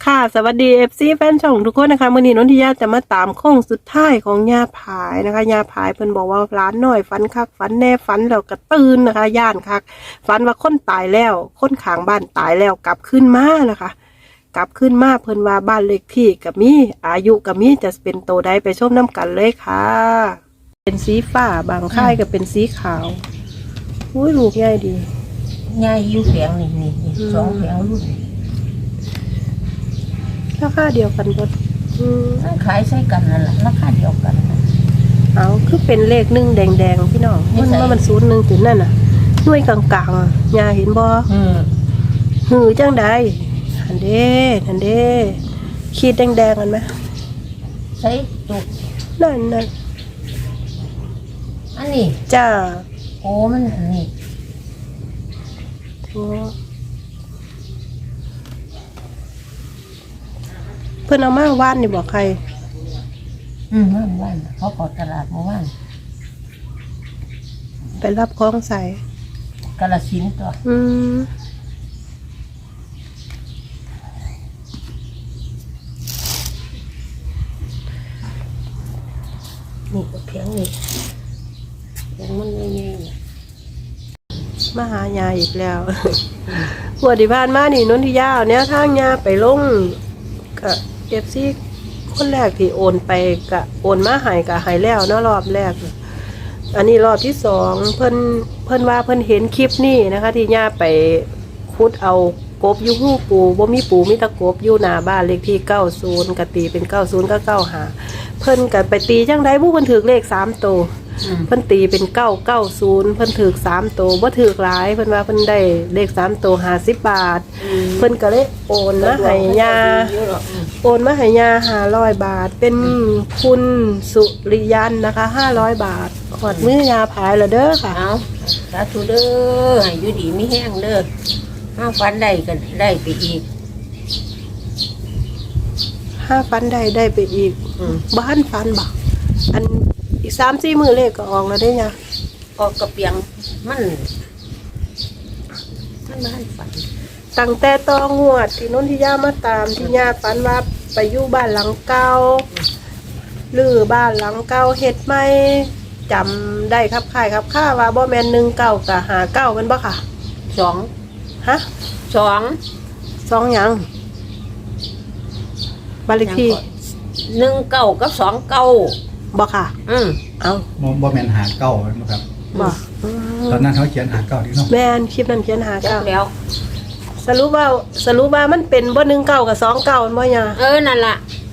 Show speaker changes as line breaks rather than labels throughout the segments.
ค่ะสวัสดีFCแฟนช่องทุกคนนะคะมื้อนี้นนทิยาจะมาตามโค้งสุดท้ายของย่าผายนะคะย่าผายเพิ่นบอกว่าร้านน้อยฝันคักฝันแน่ฝันแล้วก็ตื่นนะคะย่านคักฝันว่าคนตายแล้วคนข้างบ้านตายแล้วกลับขึ้นมานะคะกลับขึ้นมาเพิ่นว่าบ้านเลขที่กับมีอายุกับมีจะเป็นโตใดไปชมน้ำกันเลยค่ะเป็นสีฟ้าบางค่ายก็เป็นสีขาวอุ้ยลูกใหญ่ดี
ยายอยู่แผงนี่สองแผงรุ่น
ราคาเดียวกันหมด
ขายใช้กันนั่นแหละราคาเดียวกันนะ
เอาคือเป็นเลขหนึ่งแดงๆพี่น้องมันศูนย์หนึ่งถึงนั่นน่ะหน่วยกลางๆยาเห็นบ่หือจังใดหันเด้ขีดแดงๆกันไหม
ใช้จุก
นั่น
อันนี้
จ้า
โอ้มันอันนี้
เพื่อนเอามาว่านนี่บอกใคร
ว่านเขาขอตลาดมาว่าน
ไปรับของใส่
กาฬสินธุ์ตัวนี่ก็เพียงนี่ยังมันไม่แย่
มาหายาอีกแล้ว หัวดิพานมานี่นนทิยาเนี่ยทางยาไปลงกับFCคนแรกที่โอนไปกับโอนมาหายกับหายแล้วเนาะรอบแรกอันนี้รอบที่สองเพิ่นว่าเพิ่นเห็นคลิปนี่นะคะที่ย่าไปขุดเอากบอยู่หูปูบ่มีปูมีตะกบอยู่หน้าบ้านเลขที่90กะตีเป็น90ก็95เพิ่นก็ไปตีจังได๋ผู้เพิ่นถือเลข3ตัวเพิ่นตีเป็น990เพิ่นถือ3ตัวบ่ถือหลายเพิ่นว่าเพิ่นได้เลข3ตัว50 บาทเพิ่นก็เลยโอนมาให้ย่าโอนมาให้ย่า500 บาทเป็นคุณสุริยันนะคะ500 บาทขอดมือยาผายแล้วเด้อค่ะ
เอาสาธุเด้อให้อยู่ดีมีแห้งเด้อห้าฟันได้กันได้ไปอีก
5ฟันได้ไปอีกบ้านฟันบ่อันอีก3-4 มื้อเลขก็ออกแล้วได้ย่า
ออกกระเปียงมันบ้านฝัน
ตั้งแต่ตองวดที่นนทิยามาตามที่ย่าฝันว่าไปอยู่บ้านหลังเก่าหรือบ้านหลังเก่าเฮ็ดใหม่จำได้ครับค่ายครับค่าว่าบ่แม่น19กับ59มันบ่ค่ะ
2ฮะ2
หยังบ้านเลขที่
19กับ29
บ่ค่ะเอา
บ่แม่นหาเก้านะครับ
บ่
ตอนนั้นเขาเขียนหาเก้าที่เนาะ
แม่นคลิปนั้นเขียนหาเก้า
แล้ว
สรุปว่ามันเป็นบ่19กับ29มันบ่ย่า
นั่นล่ะ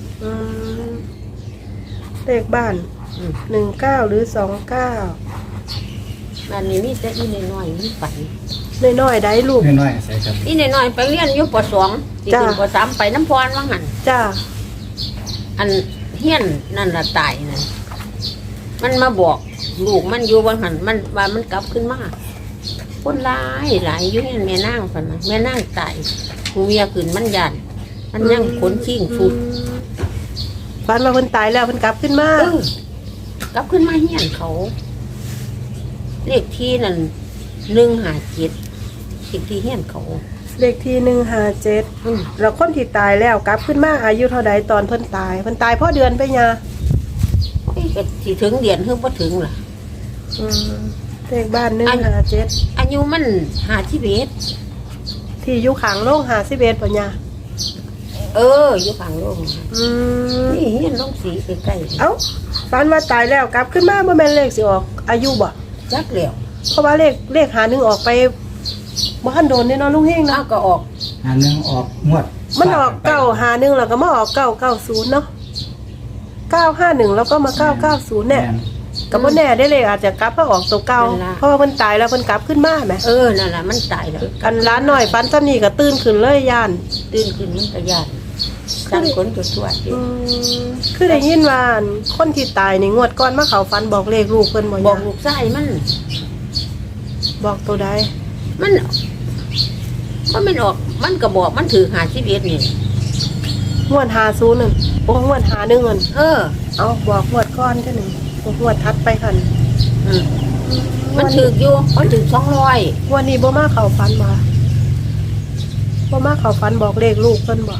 เลขบ้าน19หรือ29
บ้านนี้มีแต่อีน้อยๆมีฝัน
น้อยๆได้ลูก
น้อยๆใส่ครับ
อีน้อยๆไปเรียนอยู่ป.2สิขึ้นป.3ไปน้ำพรว่างั้น
จ้า
อันเฮียนนั่นล่ะตายนั่นมันมาบอกลูกมันอยู่ว่าหั่นมันว่ามันกลับขึ้นมาคนหลายอยู่เฮียนแม่นางซั่นน่ะแม่นางตายผู้เมียขึ้นมันยันมันยังขนชิงสุด
ฝันว่าเพิ่นตายแล้วเพิ่นกลับขึ้นม
ากลับขึ้นมาเฮียนเขาเลขที่นั่น157เลขที่เฮียนเขา
เลขที่157แล้วคนที่ตายแล้วกลับขึ้นมาอายุเท่าใดตอนเพิ่นตายเพราะเดือนไปยา
ก็สิถึงเดือนคือบ่ถึงล่ะ
เลขบ้าน157
อายุมัน51
ที่อยู่ข้างโรง51ป่ะยา
อยู่ข้างโรงนี่เฮียนโรงสีใกล้ๆ
เอ้าฝันว่าตายแล้วกลับขึ้นมาบ่แม่นเลขสิออกอายุบ่
จักแล้ว
เพราะว่าเลข51ออกไปบ่ทันโดนแน่นอนลุงเฮงนะ
ก็ออก
51ออกงวด
มันออก951แล้วก็มาออก990เนาะ951แล้วก็มา990เนี่ยก็บ่แน่ได้เลยอาจจะกลับมาออกตัวเก่าเพราะว่าเพิ่นตายแล้วเพิ่นกลับขึ้นมาแหม
นั่นล่ะมันตายแล้ว
กันร้านน้อยฝันซ้ำนี่ก็ตื่นขึ้นเลยย่าน
ตื่นขึ้นมันก็ย่านจังคนตัว
คือได้ยินว่าคนที่ตายในงวดก่อนมาเข้าฝันบอกเลขลูกเพิ่นบ่
บอกลูกชายมัน
บอกตัวใด
มันออกมันก็บอกมันถือ51นี่
งวด50นั่นโอ้งวด51นั่นเอาบอกงวดก่อนจังนึงงวดทัดไปคั่น
มันถืออยู่มันถือ200
วันนี้บ่มาเข้าฝันบ่มาเข้าฝันบอกเลขลูกเพิ่นบ่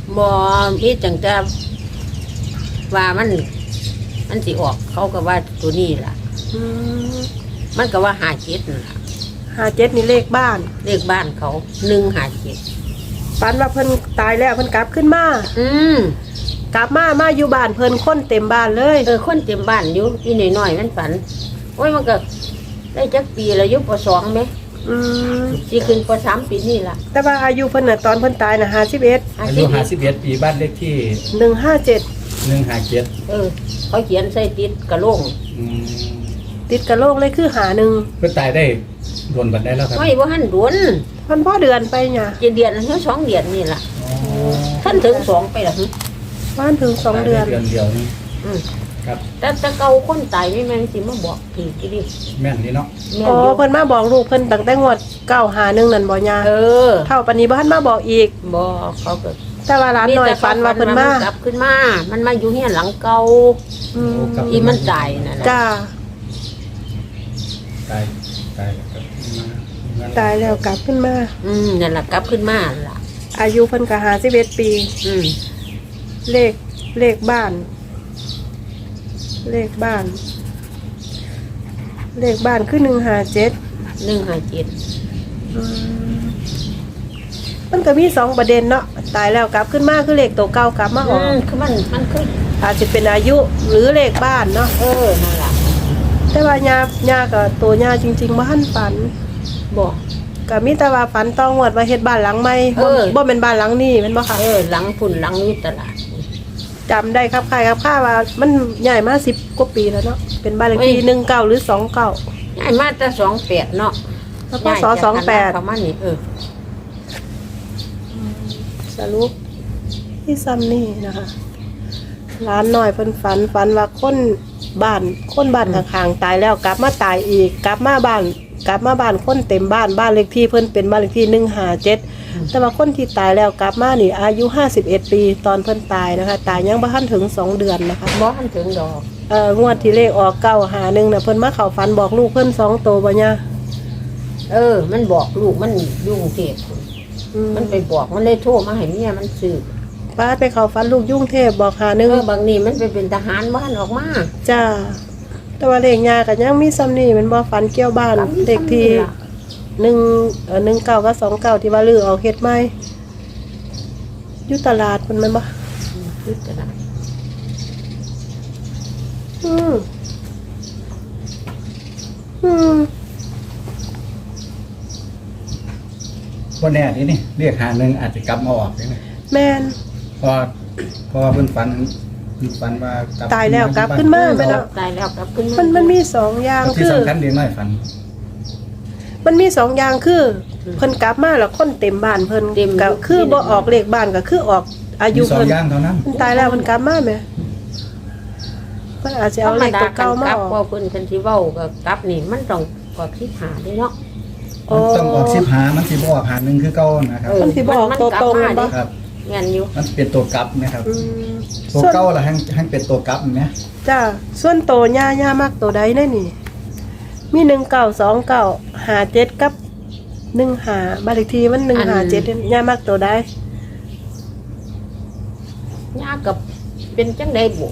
บ่มีจังแต่ว่ามันสิออกเขาก็ว่าตัวนี้ล่ะ
อืม
มันก็ว่าหาเจ็ดนั่นล่ะ
57นี่เลขบ้าน
เลขบ้านเขาหนึ่งหาเจ็ด
ฝันว่าเพิ่นตายแล้วเพิ่นกลับขึ้นมา
ม
กลับมาอยู่บ้านเพิ่นคนเต็มบ้านเลย
คนเต็มบ้านอยู่อีน้อยๆมันฝันโอ้ยมันก็ได้จักปีแล้วอยู่ป .2 ไหม
อืม
สิขึ้นป .3 ปีนี่ล่ะ
แต่ว่าอายุเพิ่นน่ะตอนเพิ่นตายน่ะ51
อายุ51ปีบ้านเลขที่
157
157
เขาเขียนใส่ติดกระโหลง
อืม
ติดกระโหลกเลยคือหาหนึ่ง
เพิ่นตายได้โดนบันได้แล้วครับ
ไม่ว่าหันดวน
เพิ่นพ่อเดือนไปเนี่ย
เดือนเท่า2 เดือนนี่ล่ะ
อ๋อ
ท่านถึง2ไปล่ะหึ
บ้านถึง2 เดือน
เดือนเดียวนี่
อืม
ครับ
แต่เก่าคนตายไม่แม่นสิมาบอกถือกี่ดิ
แม่นนี่เนาะ
แม่
อ๋
น
อ
อยู่
เพิ่นมาบอกลูกเพิ่นตั้งแต่งวด951นั่นบ่ยา
อ
เท่าปานนี้บ่ทันมาบอกอีก
บอกเขาก็
แต่ว่าร้านน้อยฝันว่าเพิ่นมา
กลับขึ้นมา มันมาอยู่เฮียนหลังเก่า
อืม
อีมันตายนั่นน่ะ
จ้า
ตายแล้วครับ
ตายแล้วกลับขึ้นมา
นั่นล่ะกลับขึ้นมาล่ะ
อายุเพิ่นก็51ปี
อืม
เลขบ้าน เลขบ้าน เลขบ้านคือ157
157
อืมมันก็มี2ประเด็นเนาะตายแล้วกลับขึ้นมาคือเลขตัวเก่ากลับมาออก
คือมันคือ
อาจจะเป็นอายุหรือเลขบ้านเนาะ
นั่นล่ะ
แต่ว่ายากับตัวยาจริงๆบ่ทันฝัน
บอก
ก็มีแต่ว่าฝันต้องวดว่าเฮ็ดบ้านหลังใหม่บ่เป็นบ้านหลังนี้แม่นบ่ค่ะ
หลังพุ่นหลังอยู่ตลาด
จำได้ครับคล้ายครับค่าว่ามันใหญ่มา10กว่าปีแล้วเนาะเป็นบ้านเลขที่19หรือ29
ย้ายมาแต่28เนาะ
แล้วก็ส28
ประมาณนี้
สรุปที่ซ้ำนี่นะคะร้านน้อยเพิ่นฝันว่าคนบ้านข้างๆตายแล้วกลับมาตายอีกกลับมาบ้านคนเต็มบ้านเลขที่เพิ่นเป็นบ้านเลขที่157แต่ว่าคนที่ตายแล้วกลับมานี่อายุ51ปีตอนเพิ่นตายนะคะตายยังบ่ทันถึง2 เดือนนะคะ
บ่ทันถึงดอก
งวดที่เลขออก951น่ะเพิ่นมาเข้าฝันบอกลูกเพิ่น2โตบ่เนี่ย
มันบอกลูกมันยุ่งเทพมันไปบอกมันเลยโทรมาให้เมียมันซื้อ
ป้าไปเข้าฝันลูกยุ่งเทพบอก51
บางนี้มันไปเป็นทหารบ้านออกมา
จ้าแต่ว่าเลขยาก็ยังมีซ้ำนี่มันบ่ฝันเกี่ยวบ้านเลขที่19กับ29ที่ว่าลือออกเฮ็ดใหม่อยู่ตลาดเพิ่นแม่นบ่
ยึดตลาด
อืมอืม
บ่แน่นี่เรียกหาหนึงอาจจะกลับมาออกได้ไหม
แม่น
เพราะว่าเพิ่นฝันว่าก
ตายแล้วกลับขึ้นมาแม่นเนาะ
ตายแล้วกลับขึ้น
มันมีสองอย่าง
ที่
คือ
สำคัญเด็กน้อยฝัน
มันมีสองอย่างคือเพิ่นกลับมาแล้วคนเต็มบ้านเพิ่นก็คือบ่ออกเลขบ้านก็คือออกอายุ
มีสอง
เพิ่น
อย่างเท่านั้น
เพิ่นตายแล้วเพิ่นกลับมาแหมเพิ่นอาจจะเอาเลขตัวเก่ามา
ลั
อบ อก
ว่าเพิ่นคันสิเว้าก็กลับนี่มันต้องกว่าที่หาได้เนาะ
มันต้องออกสิบหามันสิบ่ออกหาหนึงคือเก่านะครับ
มันสิบอกตัวตรงแม่นบ่
ครับ
แม่นอยู่
มันเป็นตัวกลับนะครับ
อืม
ตัวเก่าล่ะให้เป็นตัวกลับนะ
จ้าส่วนโตย่ามักตัวใดแน่นี่มี192957กับ15บ้านเลขที่มัน157ย่ามักตัวใด
ยากับเป็นจังได๋บ่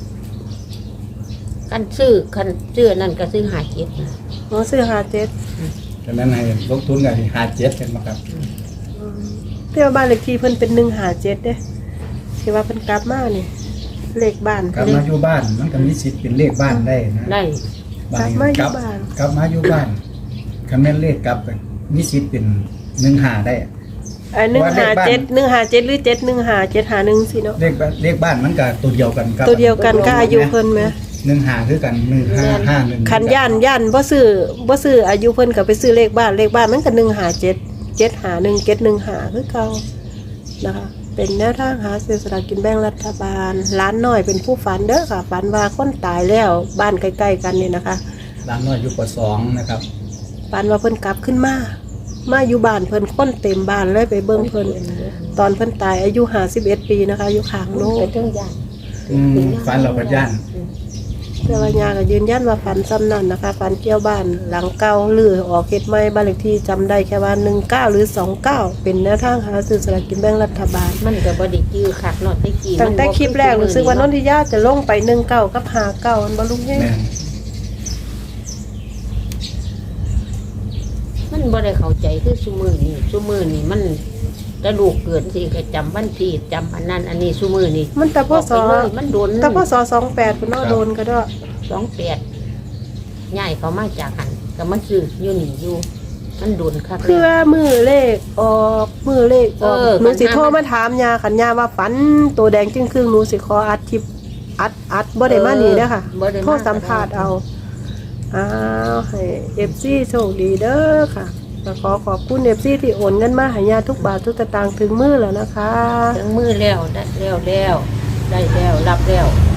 คันซื้อนั่นก็ซื้อหาเจ็ดนะ
หนูซื้อ57
ฉะนั้นให้ลงทุนกันหา7เป็นบ่ครับ
เที่ยวบ้านเลขที่เพิ่นเป็น157เด้ที่ว่าเพิ่นกลับมานี่เลขบ้าน
กลับมาอยู่บ้านมันก็มีสิทธิ์เป็นเลขบ้านได้นะ
ได้
กลับมาอยู่บ้าน
กลับมาอยู่บ้านคันแม่นเลขกลับกันมีสิทธิ์เป็น15ได้
157หรือ715 751สิเนาะ
เลขบ้านมันก็ตัวเดียวกันกับ
ตัวเดียวกันก็อายุเพิ่นแหม
15คือกัน1551
คันย่านบ่ซื้ออายุเพิ่นก็ไปซื้อเลขบ้านมันก็157 751 715คือเก่านะคะเป็นแนวทางหาซื้อสลากกินแบ่งรัฐบาลร้านน้อยเป็นผู้ฝันเด้อค่ะฝันว่าคนตายแล้วบ้านใกล้ๆกันนี่นะคะ
ร้านน้อยอยู่ป2นะครับ
ฝันว่าเพิ่นกลับขึ้นมาอยู่บ้านเพิ่นคนเต็มบ้านเลยไปเบิ่งเพิ่นตอนเพิ่นตายอายุ51ปีนะคะอยู่ข้างโน้
ไป
น
ถึงย่าน
ฝันเราก็ย่าน
แต่ว่ายาก็ยืนยันว่าฝันซ้ำนั่นนะคะฝันเกี่ยวบ้านหลังเก่าหรือออกเฮ็ดใหม่บ้านเลขที่จำได้แค่ว่า19หรือ29เป็นแนวทางหาซื้อสลากกินแบ่งรัฐบาล
มันก็บ่ได้จื้อคักเนาะแตะกี้
ตั้งแต่คลิปแรกรู้สึกว่านนทิยาจะลงไป19กับ59มันบ่ลุงแฮง
แม่น
มันบ่ได้เข้าใจคือซุมื้อนี้มันกระดูกเกิดสิก็จำวันที่จำอันนั้นอันนี้ซุมื้อนี้
มันแต่พศ
บอกไปเลยมันโดน
แต่พศ28พุ่นเนาะโดนก็ได้
28ย้ายเขามาจากหันก็มาซื้ออยู่นี่อยู่มันโดนคัก
เพื่อ
แล้ว
มือเลขออกมือเลขออก หนูสิโทรมาถามยาขันยาว่าฝันตัวแดงจึงครึ่งหนูสิขออัดคลิปอัดบ่ได้มานี่เด้อค่ะ
บ่ได้มา
โทรสัมภาษณ์เอาอ้าวให้ FC โชคดีเด้อค่ะก็ขอขอบคุณ FC ที่โอนเงินมาให้ยาทุกบาททุกสตางค์ถึงมือแล้วนะคะ
ถึงมือแล้วได้แล้วได้แล้วรับแล้ว